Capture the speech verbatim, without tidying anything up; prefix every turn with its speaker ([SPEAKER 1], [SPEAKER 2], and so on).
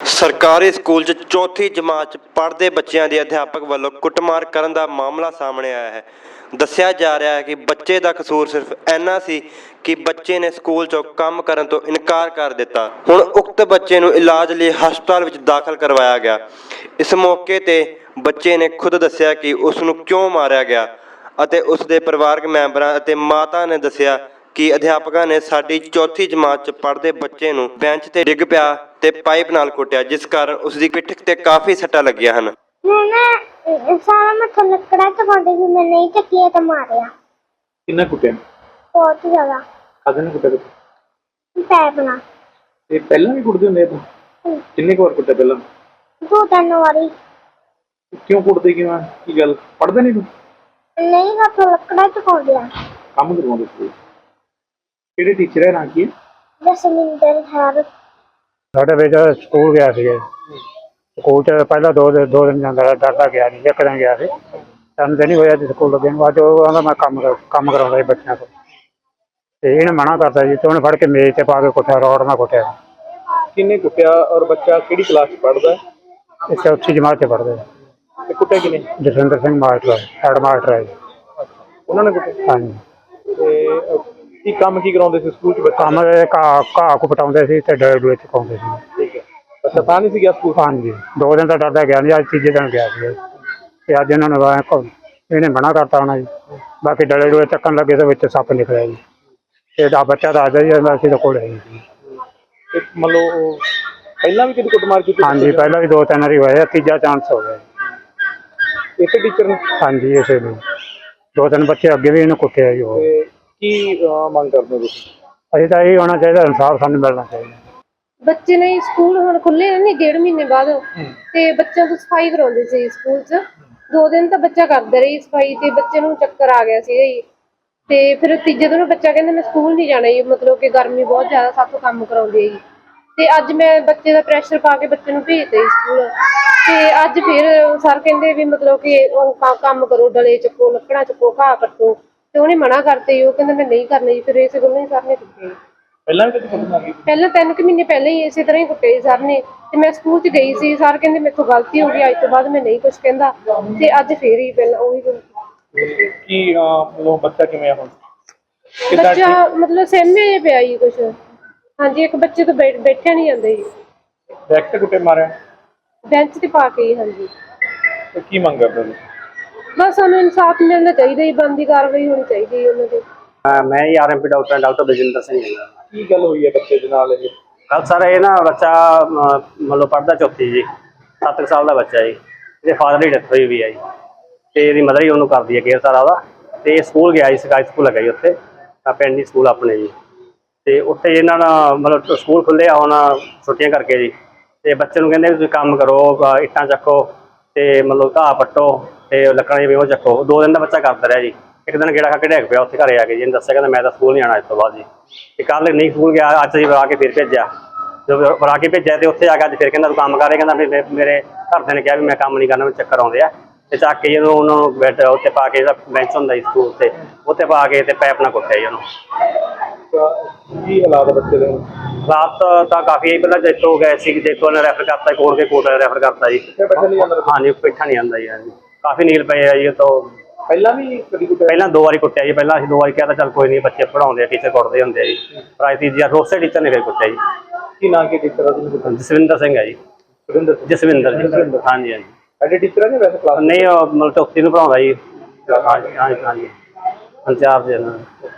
[SPEAKER 1] ਸਰਕਾਰੀ ਸਕੂਲ 'ਚ ਚੌਥੀ ਜਮਾਤ 'ਚ ਪੜ੍ਹਦੇ ਬੱਚਿਆਂ ਦੇ ਅਧਿਆਪਕ ਵੱਲੋਂ ਕੁੱਟਮਾਰ ਕਰਨ ਦਾ ਮਾਮਲਾ ਸਾਹਮਣੇ ਆਇਆ ਹੈ। ਦੱਸਿਆ ਜਾ ਰਿਹਾ ਹੈ ਕਿ ਬੱਚੇ ਦਾ ਕਸੂਰ ਸਿਰਫ ਇੰਨਾ ਸੀ ਕਿ ਬੱਚੇ ਨੇ ਸਕੂਲ 'ਚੋਂ ਕੰਮ ਕਰਨ ਤੋਂ ਇਨਕਾਰ ਕਰ ਦਿੱਤਾ। ਹੁਣ ਉਕਤ ਬੱਚੇ ਨੂੰ ਇਲਾਜ ਲਈ ਹਸਪਤਾਲ ਵਿੱਚ ਦਾਖਲ ਕਰਵਾਇਆ ਗਿਆ। ਇਸ ਮੌਕੇ ਤੇ ਬੱਚੇ ਨੇ ਖੁਦ ਦੱਸਿਆ ਕਿ ਉਸ ਨੂੰ ਕਿਉਂ ਮਾਰਿਆ ਗਿਆ ਅਤੇ ਉਸ ਦੇ ਪਰਿਵਾਰਕ ਮੈਂਬਰਾਂ ਅਤੇ ਮਾਤਾ ਨੇ ਦੱਸਿਆ ਕਿ ਅਧਿਆਪਕਾਂ ਨੇ ਸਾਡੀ ਚੌਥੀ ਜਮਾਤ 'ਚ ਪੜ੍ਹਦੇ ਬੱਚੇ ਨੂੰ ਬੈਂਚ ਤੇ ਡਿੱਗ ਪਿਆ ਤੇ ਪਾਈਪ ਨਾਲ ਕੁੱਟਿਆ, ਜਿਸ ਕਾਰਨ ਉਸ ਦੀ ਪਿੱਠ ਤੇ ਕਾਫੀ ਸੱਟਾਂ ਲੱਗੀਆਂ ਹਨ।
[SPEAKER 2] मैंने सारा मैं लकड़ा चबाते भी मैं नहीं चकिया तो मारिया।
[SPEAKER 3] किन्ना कुटिया?
[SPEAKER 2] बहुत ज्यादा।
[SPEAKER 3] कादे ने कुटिया?
[SPEAKER 2] पैप ना।
[SPEAKER 3] ये पहला भी कुटदे हुंदे आ? किन्ने क बार कुटिया पहला?
[SPEAKER 2] दो तीन बारी।
[SPEAKER 3] क्यों कुटदे क्यों आ? की गल पढ़दे नहीं तू?
[SPEAKER 2] नहीं मैं तो लकड़ा चबा दिया।
[SPEAKER 3] काम करवाउंदे सी। किहड़े टीचर है नाम की?
[SPEAKER 2] जसमिंदर है।
[SPEAKER 4] साडे बेटा स्कूल गया सी। स्कूल च पहला दो दिन दो दिन जांदा डरदा गया नहीं, एक दिन गया सी। तीन दिन ही होया स्कूल लगे अज वो आंदा मैं कम कम कराउंदा बच्चों को, ते इहने मना करता जी, ते उहने फड़ के मेज ते पा के कुट्टिया, रौड़ नाल कुट्टिया।
[SPEAKER 3] किन्ने कुटिया और बच्चा किहड़ी क्लास च पढ़दा है?
[SPEAKER 4] इस चौथी जमात च पढ़दे।
[SPEAKER 3] ते कुटिया किन्ने?
[SPEAKER 4] जसविंदर सिंह मास्टर है, हैड मास्टर है जी।
[SPEAKER 3] उन्होंने कुटिया?
[SPEAKER 4] हाँ जी।
[SPEAKER 3] ते की काम की कराउंदे सी स्कूल च बच्चे?
[SPEAKER 4] काम घाह घाह को पटाउंदे सी ते डोए डोए चुकाउंदे सी।
[SPEAKER 3] ठीक है। अच्छा तां नहीं सी गया स्कूल?
[SPEAKER 4] हाँ जी, दो दिन तो डरदा गया नहीं, अज तीजे दिन गया सी ते अज इन्होंने इहने मना करता होना जी। बाकी डले डोए चक्कन लगे तो विच सप्प निकलिया जी। ते दा बच्चा दसदा जी असीं तां कोल है जी।
[SPEAKER 3] ते मतलब पहला भी कभी कुटमार की?
[SPEAKER 4] हाँ जी, पहला भी दो तीन बारी होया, तीजा चांस हो गया।
[SPEAKER 3] इस टीचर ने?
[SPEAKER 4] हाँ जी, इसे भी दो तीन बच्चे अगे भी इन्हें कुट्टिया जी।
[SPEAKER 3] ते की मंग करदे हो तुसीं?
[SPEAKER 4] असीं तां यही होना चाहिए, इंसाफ सानूं मिलना चाहिए।
[SPEAKER 5] ਬੱਚੇ ਨੇ ਸਕੂਲ ਹੁਣ ਖੁੱਲੇ ਨੇ ਡੇਢ ਮਹੀਨੇ ਬਾਅਦ, ਤੇ ਬੱਚਿਆਂ ਤੋਂ ਸਫਾਈ ਕਰਾਉਂਦੇ ਸੀ ਸਕੂਲ 'ਚ। ਦੋ ਦਿਨ ਤਾਂ ਬੱਚਾ ਕਰਦਾ ਰਹੀ ਸਫਾਈ, ਤੇ ਬੱਚੇ ਨੂੰ ਚੱਕਰ ਆ ਗਿਆ ਸੀਗਾ ਜੀ। ਤੇ ਫਿਰ ਤੀਜੇ ਦਿਨ ਬੱਚਾ ਕਹਿੰਦਾ ਮੈਂ ਸਕੂਲ ਨਹੀਂ ਜਾਣਾ ਜੀ, ਮਤਲਬ ਕਿ ਗਰਮੀ ਬਹੁਤ ਜ਼ਿਆਦਾ ਸਾਥੋਂ ਕੰਮ ਕਰਾਉਂਦੇ ਆ ਜੀ। ਤੇ ਅੱਜ ਮੈਂ ਬੱਚੇ ਦਾ ਪ੍ਰੈਸ਼ਰ ਪਾ ਕੇ ਬੱਚੇ ਨੂੰ ਭੇਜਤਾ ਜੀ ਸਕੂਲ। ਤੇ ਅੱਜ ਫਿਰ ਸਰ ਕਹਿੰਦੇ ਵੀ ਮਤਲਬ ਕਿ ਉਹ ਕੰਮ ਕਰੋ, ਡਲੇ ਚੱਕੋ, ਲੱਕੜਾਂ ਚੱਕੋ, ਘਾਹ ਪੱਟੋ, ਤੇ ਉਹਨੇ ਮਨਾ ਕਰਤੇ। ਉਹ ਕਹਿੰਦਾ ਮੈਂ ਨਹੀਂ ਕਰਨਾ ਜੀ। ਫਿਰ ਇਸੇ ਗੱਲੋਂ ਹੀ ਸਰ ਨੇ ਕੁੱਟੇ।
[SPEAKER 3] ਪਹਿਲਾਂ ਵੀ ਕਦੇ ਕੁੱਟਮਾਰ ਕੀਤੀ?
[SPEAKER 5] ਪਹਿਲਾਂ ਤਿੰਨ ਕੁ ਮਹੀਨੇ ਪਹਿਲਾਂ ਹੀ ਇਸੇ ਤਰ੍ਹਾਂ ਹੀ ਕੁੱਟੇ ਸੀ ਸਰ ਨੇ। ਤੇ ਮੈਂ ਸਕੂਲ 'ਚ ਗਈ ਸੀ, ਸਰ ਕਹਿੰਦੇ ਮੇਰੇ ਤੋਂ ਗਲਤੀ ਹੋ ਗਈ, ਅੱਜ ਤੋਂ ਬਾਅਦ ਮੈਂ ਨਹੀਂ ਕੁਛ ਕਹਿੰਦਾ। ਤੇ ਅੱਜ ਫੇਰ ਹੀ ਪਹਿਲਾਂ ਉਹੀ
[SPEAKER 3] ਕੀ ਮਤਲਬ ਬੱਚਾ ਕਿਵੇਂ ਆ ਹੁਣ?
[SPEAKER 5] ਬੱਚਾ ਮਤਲਬ ਸਹਿਮੇ ਜਿਹਾ ਪਿਆ ਜੀ ਕੁਛ। ਹਾਂਜੀ, ਇੱਕ ਬੱਚੇ ਤੋਂ ਬੈਠ ਬੈਠਿਆ ਨਹੀਂ ਜਾਂਦਾ ਜੀ।
[SPEAKER 3] ਡਾਇਰੈਕਟ ਕੁੱਟੇ ਮਾਰਿਆ?
[SPEAKER 5] ਬੈਂਚ ਤੇ ਪਾ ਕੇ ਜੀ। ਹਾਂਜੀ।
[SPEAKER 3] ਤੇ ਕੀ ਮੰਗ ਕਰਦੇ ਹੋ?
[SPEAKER 5] ਬਸ ਸਾਨੂੰ ਇਨਸਾਫ ਮਿਲਣਾ ਚਾਹੀਦਾ ਜੀ, ਬਣਦੀ ਕਾਰਵਾਈ ਹੋਣੀ ਚਾਹੀਦੀ ਹੈ ਉਹਨਾਂ ਦੀ।
[SPEAKER 4] मैं ही R M P doctor doctor Baljinder Singh है।
[SPEAKER 3] ਕੀ ਗੱਲ ਹੋਈ ਹੈ ਬੱਚੇ ਦੇ ਨਾਲ ਇਹ?
[SPEAKER 4] कल सर ये ना बच्चा मतलब पढ़ता चौथी जी, सत्त साल का बच्चा जी। ये फादर की डेथ हुई भी है जी, तो ये मदर ही उन्होंने करती है केयर सारा वह। तो ये स्कूल गया जी, सरकारी स्कूल लगा जी उत्थे पिंड स्कूल अपने जी। तो उत्थे इन्होंने मतलब स्कूल खुले हुण छुट्टियां करके जी। तो बच्चे को कहते तुसीं काम करो, इट्टां चक्को, तो मतलब घाह पट्टो, तो लकड़ां जिवें ओह चक्को। दो दिन का बच्चा करता रहा जी। एक दिन गेड़ा खा के ढेग पिया उत्थे घरे आके जी, दस्सिया कहता मैं तो स्कूल नहीं आना इस तो बाद जी। ते कल नहीं स्कूल गया, अज जी बुला के फिर भेजा। जो बुला के भेजा तो उत्थे आके अज फिर कहता तू काम कर। कहता भी मेरे घरदे ने कहा भी मैं काम नहीं करना, मैं चक्कर आउंदे आ। ते चक के जो उन्होंने बैठ उत्ते पा के बेंच हुंदा जी स्कूल ते उत्ते पा के ते पैप नाल कुट्टिया जी उन्होंने।
[SPEAKER 3] ਕੀ ਹਾਲਾਤ ਬੱਚੇ ਦੇ?
[SPEAKER 4] रात तो काफ़ी है, पहले जेतो गए सी, जेतो ने रैफर करता कोट के कोट रैफर करता जी।
[SPEAKER 3] बैठा नहीं जाता?
[SPEAKER 4] हाँ जी, बैठा नहीं आंदा जी। हाँ जी, काफ़ी नील पे है जी। तो
[SPEAKER 3] ਪਹਿਲਾਂ ਵੀ ਕਦੀ ਕੁੱਟਿਆ?
[SPEAKER 4] पहला दो बारी कुट्टिया जी। पहला असं दो बारी कहा चल कोई नहीं, बच्चे पढ़ाते टीचर कुटते होंगे जी। पर अज तीजी बार उस टीचर ने फिर कुट्टिया जी।
[SPEAKER 3] ਕੀ ਨਾਂ ਕੀ ਟੀਚਰ ਆ?
[SPEAKER 4] जसविंदर सिंह है जी।
[SPEAKER 3] ਸੁਰਿੰਦਰ?
[SPEAKER 4] जसविंदर जी। हाँ जी हाँ जी।
[SPEAKER 3] ਐਡੇ ਟੀਚਰ ਆ ਜਾਂ ਵੈਸੇ ਕਲਾਸ?
[SPEAKER 4] नहीं मतलब चौथी में पढ़ाता जी। हाँ जी हाँ जी हाँ जी, इंचार्ज है।